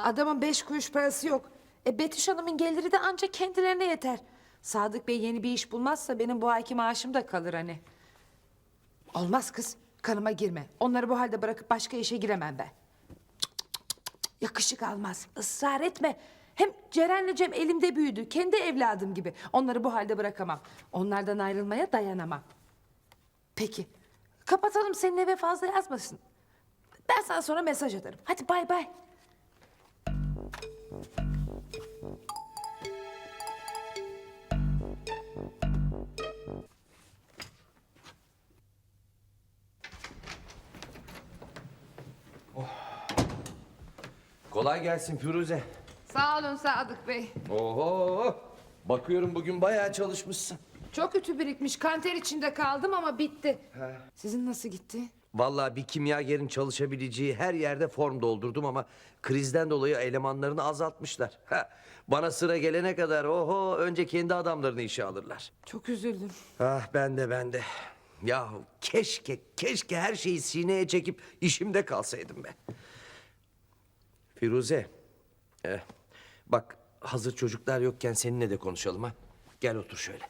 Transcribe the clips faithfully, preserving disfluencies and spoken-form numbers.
Adamın beş kuruş parası yok. E Betüş Hanım'ın geliri de ancak kendilerine yeter. Sadık Bey yeni bir iş bulmazsa benim bu ayki maaşım da kalır hani. Olmaz kız, kanıma girme. Onları bu halde bırakıp başka işe giremem ben. Cık, cık, cık, cık. Yakışık almaz, ısrar etme. Hem Ceren'le Cem elimde büyüdü, kendi evladım gibi. Onları bu halde bırakamam. Onlardan ayrılmaya dayanamam. Peki, kapatalım, senin eve fazla yazmasın. Ben sana sonra mesaj atarım. Hadi bay bay. Kolay gelsin Firuze. Sağ olun Sadık Bey. Oho! Bakıyorum bugün bayağı çalışmışsın. Çok ütü birikmiş, kanter içinde kaldım ama bitti. Sizin nasıl gitti? Vallahi bir kimyagerin çalışabileceği her yerde form doldurdum ama krizden dolayı elemanlarını azaltmışlar. Ha, bana sıra gelene kadar oho önce kendi adamlarını işe alırlar. Çok üzüldüm. Ah ben de ben de. Ya keşke keşke her şeyi sineye çekip işimde kalsaydım be. Firuze. eh, bak hazır çocuklar yokken seninle de konuşalım ha. Gel otur şöyle.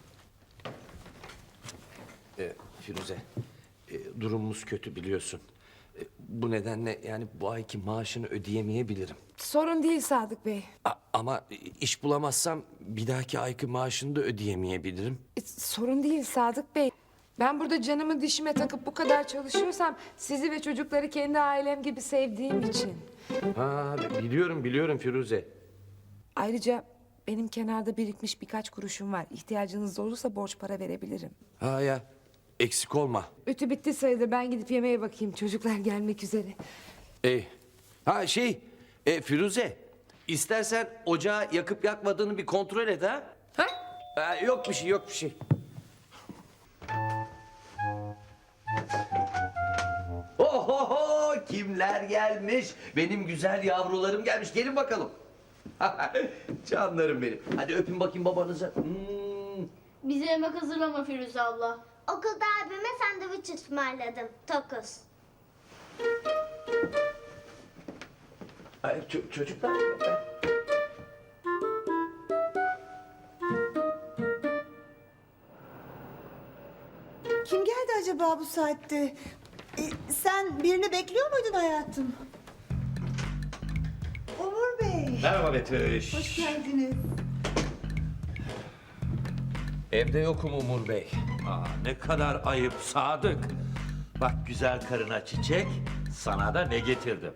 Eh, Firuze. E, durumumuz kötü biliyorsun. E, bu nedenle yani bu ayki maaşını ödeyemeyebilirim. Sorun değil Sadık Bey. A- ama iş bulamazsam bir dahaki ayki maaşını da ödeyemeyebilirim. E, sorun değil Sadık Bey. Ben burada canımı dişime takıp bu kadar çalışıyorsam sizi ve çocukları kendi ailem gibi sevdiğim için. Ha biliyorum biliyorum Firuze. Ayrıca benim kenarda birikmiş birkaç kuruşum var. İhtiyacınız olursa borç para verebilirim. Ha ya eksik olma. Ütü bitti sayılır. Ben gidip yemeğe bakayım. Çocuklar gelmek üzere. E, ha şey e, Firuze istersen ocağı yakıp yakmadığını bir kontrol et ha. Ha? Ha, yok bir şey yok bir şey. Ohoho kimler gelmiş? Benim güzel yavrularım gelmiş. Gelin bakalım. Canlarım benim. Hadi öpün bakayım babanıza. Hmm. Bize yemek hazırlama Firuze abla. Okulda abime sandviç ısmarladım. Tokuz. Ay, ço- çocuklar. Kim geldi acaba bu saatte? Ee, sen birini bekliyor muydun hayatım? Umur Bey. Merhaba Betüş. Hoş geldiniz. Evde yokum Umur Bey. Aa, ne kadar ayıp Sadık. Bak güzel karına çiçek, sana da ne getirdim.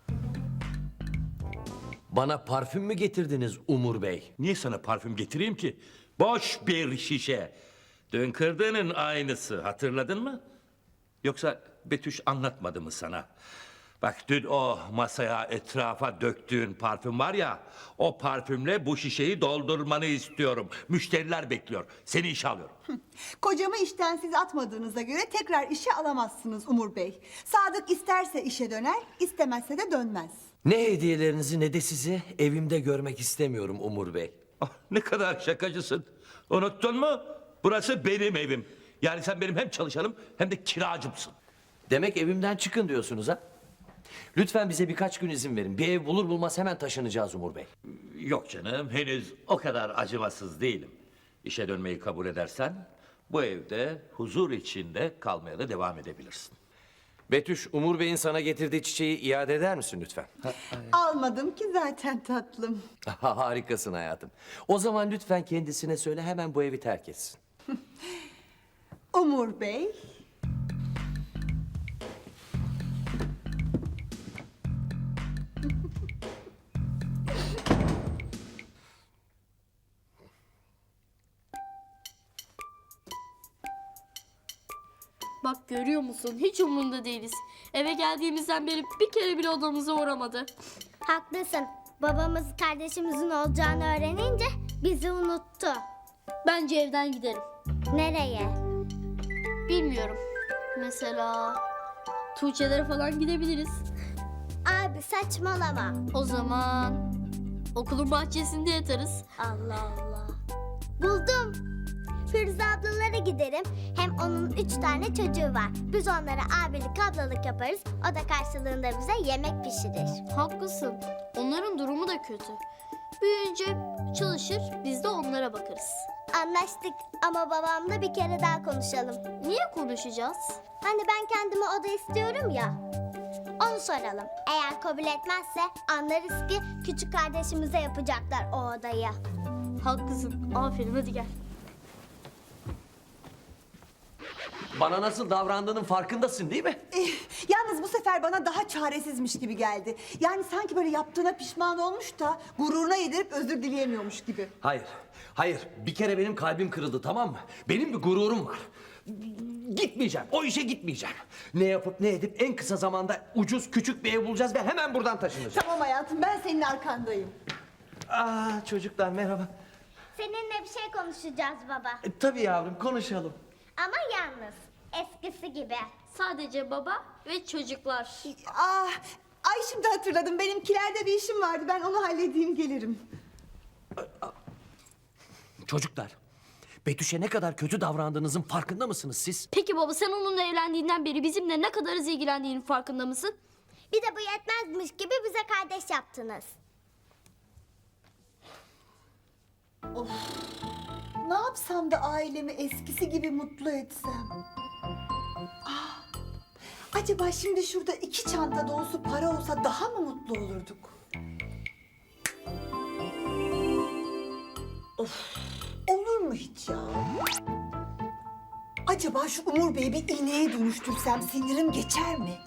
Bana parfüm mü getirdiniz Umur Bey? Niye sana parfüm getireyim ki? Boş bir şişe. Dün kırdığının aynısı, hatırladın mı? Yoksa Betüş anlatmadı mı sana? Bak dün o masaya etrafa döktüğün parfüm var ya... ...o parfümle bu şişeyi doldurmanı istiyorum. Müşteriler bekliyor. Seni işe alıyorum. Kocamı işten siz atmadığınıza göre tekrar işe alamazsınız Umur Bey. Sadık isterse işe döner, istemezse de dönmez. Ne hediyelerinizi ne de sizi evimde görmek istemiyorum Umur Bey. Ah, ne kadar şakacısın. Unuttun mu? Burası benim evim. Yani sen benim hem çalışanım hem de kiracımsın. Demek evimden çıkın diyorsunuz ha? Lütfen bize birkaç gün izin verin. Bir ev bulur bulmaz hemen taşınacağız Umur Bey. Yok canım, henüz o kadar acımasız değilim. İşe dönmeyi kabul edersen bu evde huzur içinde kalmaya da devam edebilirsin. Betüş, Umur Bey'in sana getirdiği çiçeği iade eder misin lütfen? Almadım ki zaten tatlım. Harikasın hayatım. O zaman lütfen kendisine söyle hemen bu evi terk etsin. Umur Bey. Bak görüyor musun? Hiç umurunda değiliz. Eve geldiğimizden beri bir kere bile odamıza uğramadı. Haklısın. Babamız kardeşimizin olacağını öğrenince bizi unuttu. Bence evden giderim. Nereye? Bilmiyorum. Mesela Tuğçe'lere falan gidebiliriz. Abi saçmalama. O zaman okulun bahçesinde yatarız. Allah Allah. Buldum. Firuze ablalara giderim. Hem onun üç tane çocuğu var. Biz onlara abilik ablalık yaparız. O da karşılığında bize yemek pişirir. Haklısın. Onların durumu da kötü. Büyüyünce çalışır, biz de onlara bakarız. Anlaştık ama babamla bir kere daha konuşalım. Niye konuşacağız? Hani ben kendime oda istiyorum ya. Onu soralım. Eğer kabul etmezse anlarız ki küçük kardeşimize yapacaklar o odayı. Haklısın. Aferin, hadi gel. Bana nasıl davrandığının farkındasın değil mi? Eh, yalnız bu sefer bana daha çaresizmiş gibi geldi. Yani sanki böyle yaptığına pişman olmuş da gururuna yedirip özür dileyemiyormuş gibi. Hayır, hayır. Bir kere benim kalbim kırıldı, tamam mı? Benim bir gururum var. Gitmeyeceğim, o işe gitmeyeceğim. Ne yapıp ne edip en kısa zamanda ucuz küçük bir ev bulacağız ve hemen buradan taşınacağız. Tamam hayatım, ben senin arkandayım. Aa, çocuklar merhaba. Seninle bir şey konuşacağız baba. E, tabii yavrum, konuşalım. Ama yalnız. Eskisi gibi. Sadece baba ve çocuklar. Ah, ay şimdi hatırladım. Benimkilerde bir işim vardı. Ben onu halledeyim, gelirim. Çocuklar, Betüş'e ne kadar kötü davrandığınızın farkında mısınız siz? Peki baba, sen onunla evlendiğinden beri bizimle ne kadar az ilgilendiğinin farkında mısın? Bir de bu yetmezmiş gibi bize kardeş yaptınız. Ne yapsam da ailemi eskisi gibi mutlu etsem? Ah, acaba şimdi şurada iki çanta dolusu para olsa daha mı mutlu olurduk? Of, olur mu hiç ya? Acaba şu Umur Bey'i bir iğneye dönüştürsem sinirim geçer mi?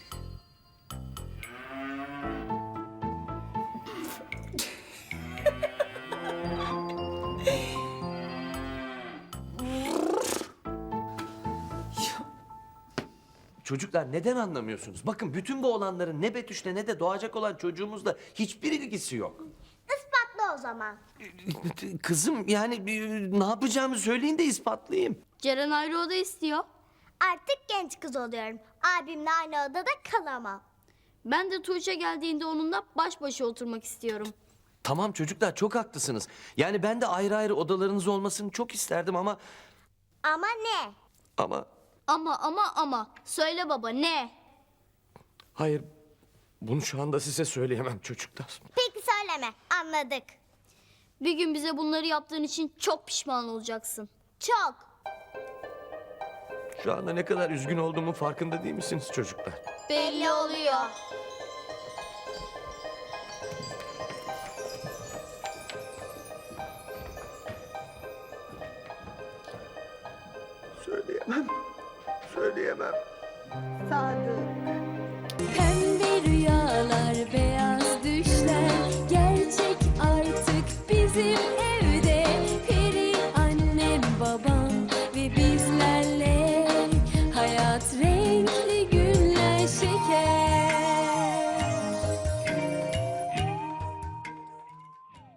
Çocuklar neden anlamıyorsunuz? Bakın bütün bu olanların ne Betüş'le ne de doğacak olan çocuğumuzla hiçbir ilgisi yok. Ispatla o zaman. Kızım yani e, ne yapacağımı söyleyin de ispatlayayım. Ceren ayrı oda istiyor. Artık genç kız oluyorum. Abimle aynı odada kalamam. Ben de Tuğçe geldiğinde onunla baş başa oturmak istiyorum. Tamam çocuklar, çok haklısınız. Yani ben de ayrı ayrı odalarınız olmasını çok isterdim ama... Ama ne? Ama Ama ama ama. Söyle baba, ne? hayır, bunu şu anda size söyleyemem çocuklar. Peki söyleme. Anladık. Bir gün bize bunları yaptığın için çok pişman olacaksın. Çok. Şu anda ne kadar üzgün olduğumun farkında değil misiniz çocuklar? Belli oluyor. Söyleyemem. Söyleyemem. Sadık. Pembe rüyalar, beyaz düşler gerçek artık bizim evde. Peri annem, babam ve bizlerle hayat